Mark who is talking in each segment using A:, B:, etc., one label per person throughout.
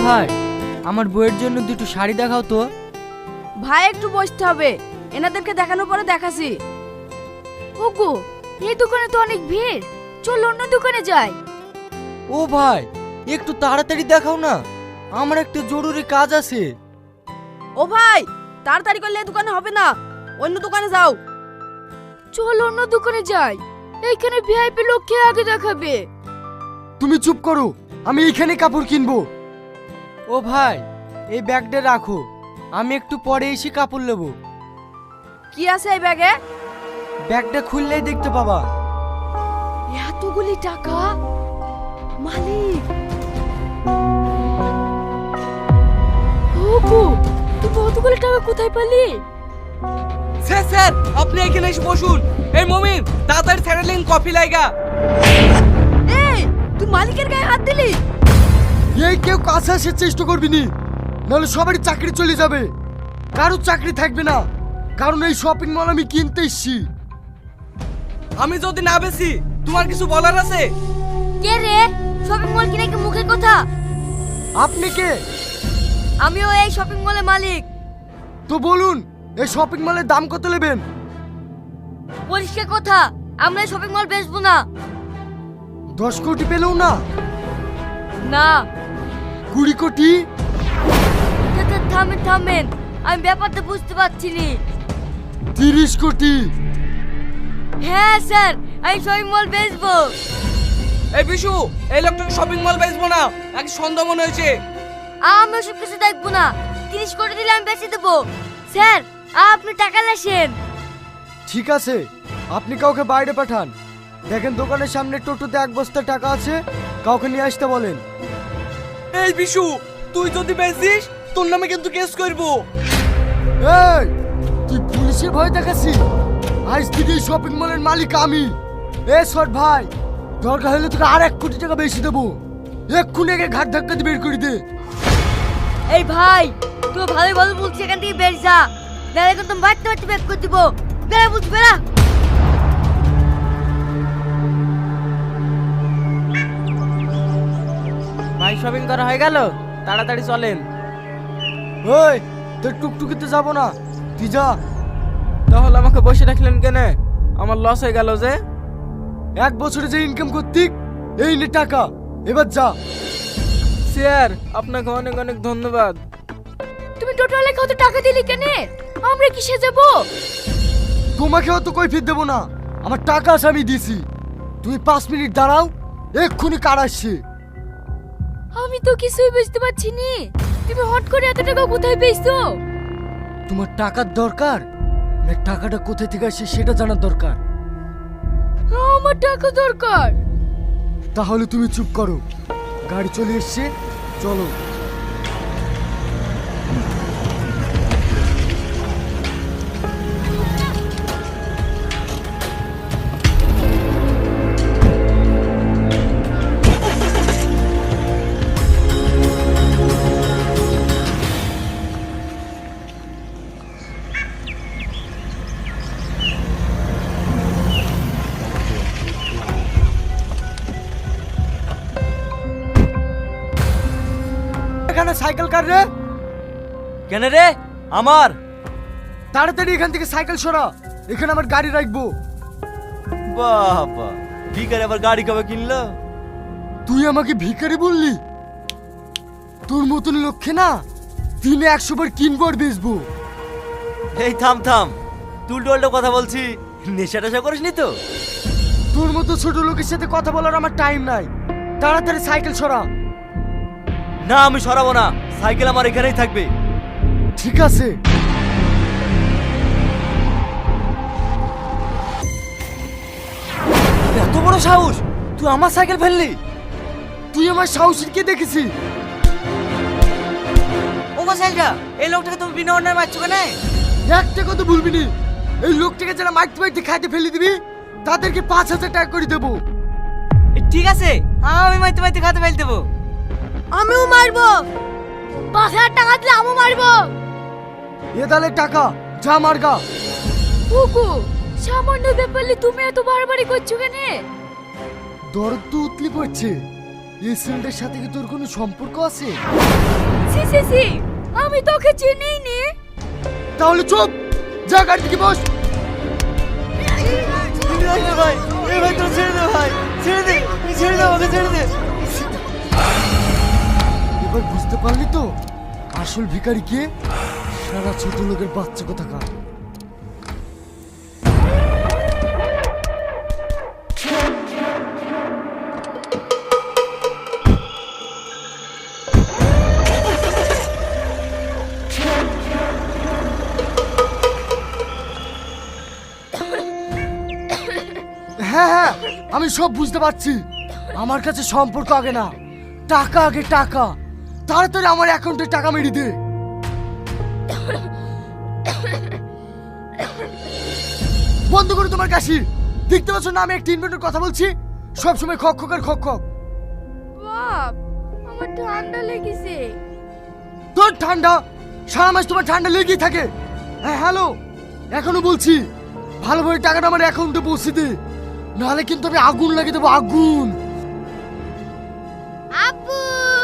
A: ভাই, আমার বউয়ের জন্য দুটো শাড়ি দেখাও তো।
B: ভাই একটু বসতে হবে, এনাদেরকে দেখানোর পরে দেখাছি।
C: ওগো, এই দোকানে তো অনেক ভিড়, চল অন্য দোকানে যাই।
A: ও ভাই, একটু তাড়াতাড়ি দেখাও না, আমার একটা জরুরি কাজ আছে।
B: ও ভাই, তাড়াতাড়ি করলে এই দোকানে হবে না, অন্য দোকানে যাও।
C: চল অন্য দোকানে যাই, এইখানে ভিআইপি লোককে আগে দেখাবে।
D: তুমি চুপ করো, আমি এইখানে কাপড় কিনবো।
A: ও ভাই, এই ব্যাগটা রাখো, আমি একটু পরে এসে কাপড় নেব।
B: কি আছে এই ব্যাগে?
A: ব্যাগটা খুললেই দেখতে পাবা।
C: এতগুলি টাকা, মালিক। ওগো, তুই কতগুলি টাকা কোথায় পেলি?
E: স্যার স্যার, আপনি এখানে এসে বসুন। এই মমিন, তাড়াতাড়ি স্যারেলিন কফি লাইগা।
B: এই, তুই মালিকের গায়ে হাত দিলি?
D: এই কেউ কাছে আসার চেষ্টা করবি নি, নাহলে সবারই চাকরি চলে যাবে, কারো চাকরি থাকবে না। কারণ এই শপিং মল আমি কিনতে এসেছি।
E: আমি যদি না বেশি, তোমার কিছু বলার আছে?
C: কে রে? শপিং মল কিনে কি মুখের কথা?
D: আপনি কে?
B: আমিও এই শপিং মলের মালিক।
D: তো বলুন, এই শপিং মলের দাম কত নেবেন?
B: পরিষ্কার কথা, আমরা এই শপিং মল বেচবো না।
D: 10 কোটি পেলেও না?
B: না।
D: 20 কোটি?
B: থামেন থামেন, আমি ব্যাপারটা বুঝতে পারছি নি।
D: 30 কোটি?
B: হ্যাঁ স্যার, আমি শপিং মল বেচবো।
E: এই বিশু, এই লোকটাকে শপিং মল বেচবো না, এক সন্দেহ মনে হয়েছে।
B: আমি ওসব কিছু দেখবো না, 30 কোটি দিলে আমি বেচে দেবো। স্যার, আপনি টাকা লেসেন।
D: ঠিক আছে, আপনি কাউকে বাইরে পাঠান। দেখেন দোকানের সামনে টোটোতে 1 বস্তা টাকা আছে, কাউকে নিয়ে আসতে বলেন।
E: এই বিশু, তুই যদি বেচিস, তোর নামে কিন্তু কেস করবো।
D: এই, তুই পুলিশের ভয় দেখাচ্ছি? আজ থেকে এই শপিং মলের মালিক আমি। শট ভাই, দরকার হলে তোকে আর 1 কোটি টাকা বেশি দেবো। এক্ষুনি একে ঘাট ধাক্কা দিয়ে বের করে দে।
B: এই ভাই, তুই ভালোই ভালো বলছিস, এখান থেকে বের যা, নাহলে কিন্তু বাড়তে বাড়তে বের করে দিব। বেড়া বলছি, বেড়া।
A: ভাই, শপিং করা হয়ে গেল, তাড়াতাড়ি চলেন।
D: ওই, তোর টুকটুকিতে যাবো না, তুই যা।
A: তাহলে আমাকে বসে রাখলেন কেন? আমার লস হয়ে গেল যে।
D: 1 বছরে যে ইনকাম করতি, এই নে টাকা, এবার যা।
A: স্যার, আপনাকে অনেক অনেক ধন্যবাদ।
C: তুমি টোটালে কত টাকা দিলি কেন? আমরা কিসে যাব?
D: তোমাকে অত কৈফিয়ত দেবো না, আমার টাকা আছে, আমি দিছি। তুমি 5 মিনিট দাঁড়াও, এক্ষুনি কার আসছে।
C: আমি তো কিছুই বুঝতে পারছি নি, তুমি হট করে এত টাকা কোথায় পেয়েছো?
D: তোমার টাকার দরকার না টাকাটা কোথায় থেকে আসছে সেটা জানার দরকার?
C: আমার টাকা দরকার।
D: তাহলে তুমি চুপ করো, গাড়ি চলে এসছে, চলো। এখানে সাইকেল কার রে?
E: কেন রে? আমার।
D: তাড়াতাড়ি এখান থেকে সাইকেল সরা, এখানে আমার গাড়ি রাখবো।
E: বাবা, ভিখারি আবার গাড়ি কবে কিনলো?
D: তুই আমাকে ভিখারি বললি? তোর মতন লক্ষ্যে না, দিনে 100 বার কিনবো আর বেচবো।
E: এই থাম থাম, তুই টোল্টো কথা বলছি, নেশা টেশা করিসনি তো?
D: তোর মতো ছোট লোকের সাথে কথা বলার আমার টাইম নাই, তাড়াতাড়ি সাইকেল সরা।
E: না, আমি সরাবো না, সাইকেল আমার এখানেই থাকবে।
D: ঠিক আছে।
E: এত বড় সাহস, তুই আমার সাইকেল ফেললি?
D: তুই আমার সাহসের কে দেখেছি?
E: ও সাইকেলটা, এই লোকটাকে তুমি বিনা অন্যায় মারছো কেন?
D: একটা কথা ভুলবি নি, এই লোকটাকে যারা মারতে মারতে খাইতে ফেলে দিবি, তাদেরকে 5000 টাকা করে দেবো।
E: ঠিক আছে, আমি মারতে মারতে খাতে ফেল দেবো।
B: আমিও মারবো।
C: 5000 টাকা দিলে আমিও মারবো।
D: এ দালে টাকা, যা মারগা।
C: ওগো, সামান্য ব্যাপারে তুমি এত বাড়াবাড়ি করছো কেন?
D: দরদ তো উতলি পড়ছে, এই ছেলেটার সাথে কি তোর কোনো সম্পর্ক আছে?
C: সি সি সি, আমি তোকে চিনিই নি।
D: তাহলে চুপ, যা গাড়ি থেকে বস।
A: ভাই এই ভাই তো ছেড়ে দে ভাই, ছেড়ে দে, ছেড়ে দে আমাকে, ছেড়ে দে।
D: এবার বুঝতে পারলি তো আসল ভিখারি কে? সারা ছোট লোকের বাচ্চা কোথাকার। হ্যাঁ হ্যাঁ, আমি সব বুঝতে পারছি। আমার কাছে সম্পর্ক আগে না, টাকা আগে, টাকা। তাড়াতাড়ি আমার অ্যাকাউন্টে টাকা মেরে দে। বন্ধ করো তোমার কাশি। দেখতে পাচ্ছ না আমি একটা ইনভেন্টর কথা বলছি? সবসময় খক খক আর খক খক।
C: বাপ, আমার ঠান্ডা লেগেছে।
D: তোর ঠান্ডা? সারা মাস তোমার ঠান্ডা লেগেই থাকে। হ্যাঁ হ্যালো, এখনো বলছি ভালোভাবে টাকাটা আমার অ্যাকাউন্টে পৌঁছে দে, নাহলে কিন্তু আমি আগুন লাগিয়ে দেবো, আগুন।
C: আব্বু,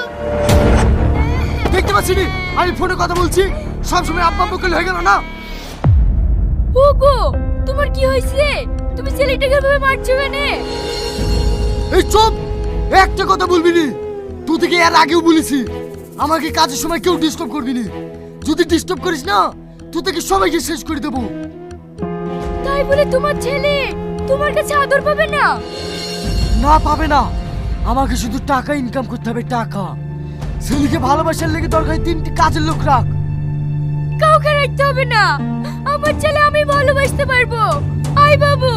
D: দেখতে পাচ্ছি নি আমি ফোনে কথা বলছি, সবসময় আব্বা আব্বা করলে হয়ে গেল না?
C: ওগো, তোমার কি হয়েছে? তুমি ছেলেটাকে ভাবে মারছো কেন?
D: এই চুপ, একটা কথা বলবি নি। তুই থেকে এর আগেও বলেছি আমাকে কাজের সময় কেউ ডিস্টার্ব করবি নি। যদি ডিস্টার্ব করিস না তুই থেকে সবাইকে শেষ করে দেবো।
C: তাই বলে তোমার ছেলে তোমার কাছে আদর পাবে না?
D: না, পাবে না। আমাকে শুধু টাকা ইনকাম করতে হবে, টাকা। ছেলেকে ভালোবাসার লেগে দরকার 3টি কাজের লোক রাখ।
C: কাউকে রাখতে হবে না, আমার ছেলে আমি ভালোবাসতে পারবো। আই বাবু।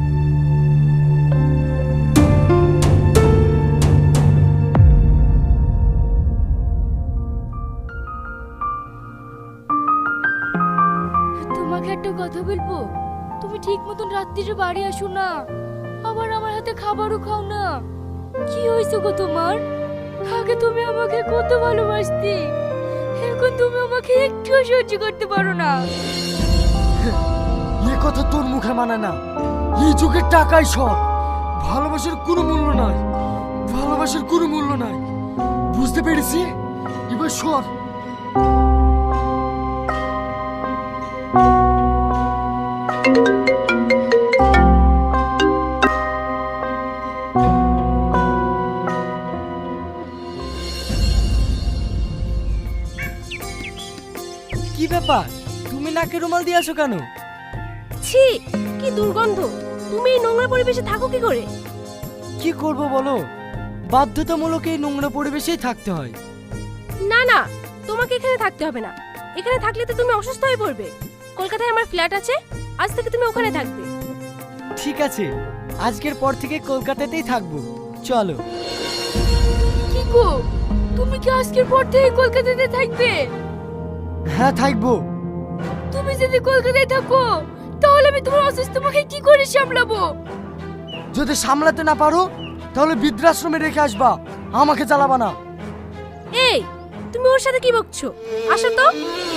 C: তোমাকে একটা কথা বলবো? তুমি ঠিক মতন রাত্রিরে বাড়ি আসো না, আবার আমার হাতে খাবারও খাও না। কি হয়েছে গো তোমার? আগে তুমি আমাকে কত ভালোবাসতে, এখন তুমি আমাকে একটু সহ্য করতে পারো না।
D: এ কথা তোর মুখে মানায় না। এই যুগের টাকাই সব। ভালোবাসার কোনো মূল্য নাই, ভালোবাসার কোনো মূল্য নাই। বুঝতে পেরেছি, এবার সর।
A: কি ব্যাপার, তুমি নাকে রুমাল দিয়ে আসো কেন?
C: ছি, কি দুর্গন্ধ। তুমি এই নোংরা পরিবেশে থাকো কি করে?
A: কি করব বলো, বাধ্যতামূলক এই নোংরা পরিবেশেই থাকতে হয়।
C: না না, তোমাকে এখানে থাকতে হবে না। এখানে থাকলে তো তুমি অসুস্থ হয়ে পড়বে। কলকাতায় আমার ফ্ল্যাট আছে, আজ থেকে তুমি ওখানে থাকবে।
A: ঠিক আছে, আজকের পর থেকে কলকাতাতেই থাকবো, চলো।
C: কি গো, তুমি কি আজকের পর থেকে কলকাতাতে থাকবে?
D: হ্যাঁ থাকবো।
C: তুমি যদি কলকাতায় থাকো তাহলে আমি তোমার অসুস্থ মাকে কি করে সামলাবো?
D: যদি সামলাতে না পারো তাহলে বৃদ্ধাশ্রমে রেখে আসবা, আমাকে জ্বালাবা না।
C: এই, তুমি ওর সাথে কি বকছো? আসো তো।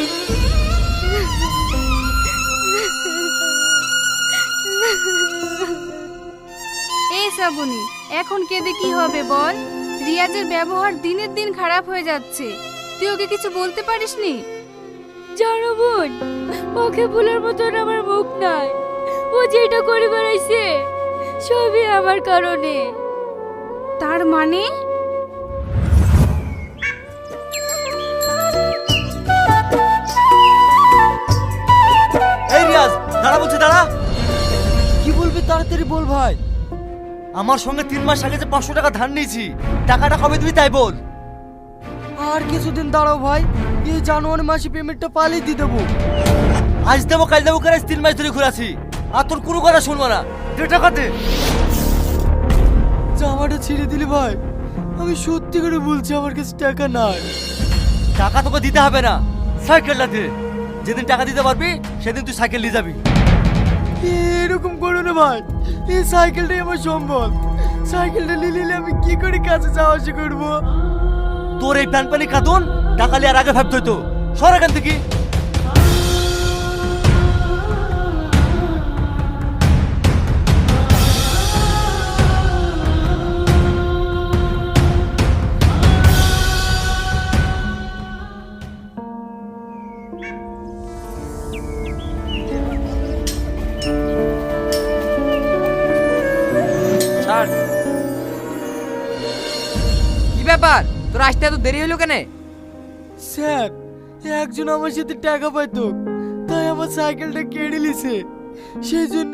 F: এই শ্রাবণী, এখন কেঁদে কি হবে বল? রিয়াজের ব্যবহার দিনের দিন খারাপ হয়ে যাচ্ছে, তুই ওকে কিছু বলতে পারিসনি?
C: জানো বোন, ওকে ভুলার মতন আমার মুখ নাই। ও যেটা করে বেড়াইছে সবই আমার কারণে।
F: তার মানে?
A: এই রিয়াজ, দাঁড়া বলছি, দাঁড়া। কি বলবি তাড়াতাড়ি বল ভাই। আমার সঙ্গে 3 মাস আগে যে 500 টাকা ধার নিয়েছি, টাকাটা কবে দিবি তাই বল। আর কিছুদিন দাঁড়াও ভাই, এই জানুয়ারি মাসে পেমেন্টটা পালিয়ে দিয়ে দেবো। আজ দেবো কাল দেবো করে 3 মাস ধরে ঘুরাছি, আর তোর কোনো কথা শুনবো না। দে টাকা দে। জামাটা ছিঁড়ে দিলি ভাই, আমি সত্যি করে বলছি আমার কাছে টাকা নাই। টাকা তোকে দিতে হবে না, সাইকেলটা দে। যেদিন টাকা দিতে পারবি সেদিন তুই সাইকেল নিয়ে যাবি। এরকম করো না ভাই, এই সাইকেলটাই আমার সম্বল। সাইকেলটা নিয়ে নিলে আমি কি করে কাছে যাওয়া আসা করবো? তোর এই প্যান পানি খাতুন টাকা নিয়ে আর আগে ভাবতে হতো। সর এখান থেকে।
E: স্যার। কি ব্যাপার, তোর আসতে এত দেরি হলো কেন?
D: স্যার, একজন আমার সাথে টাকা পাইতো, তাই আমার সাইকেলটা কেড়ে নিছে, সেই জন্য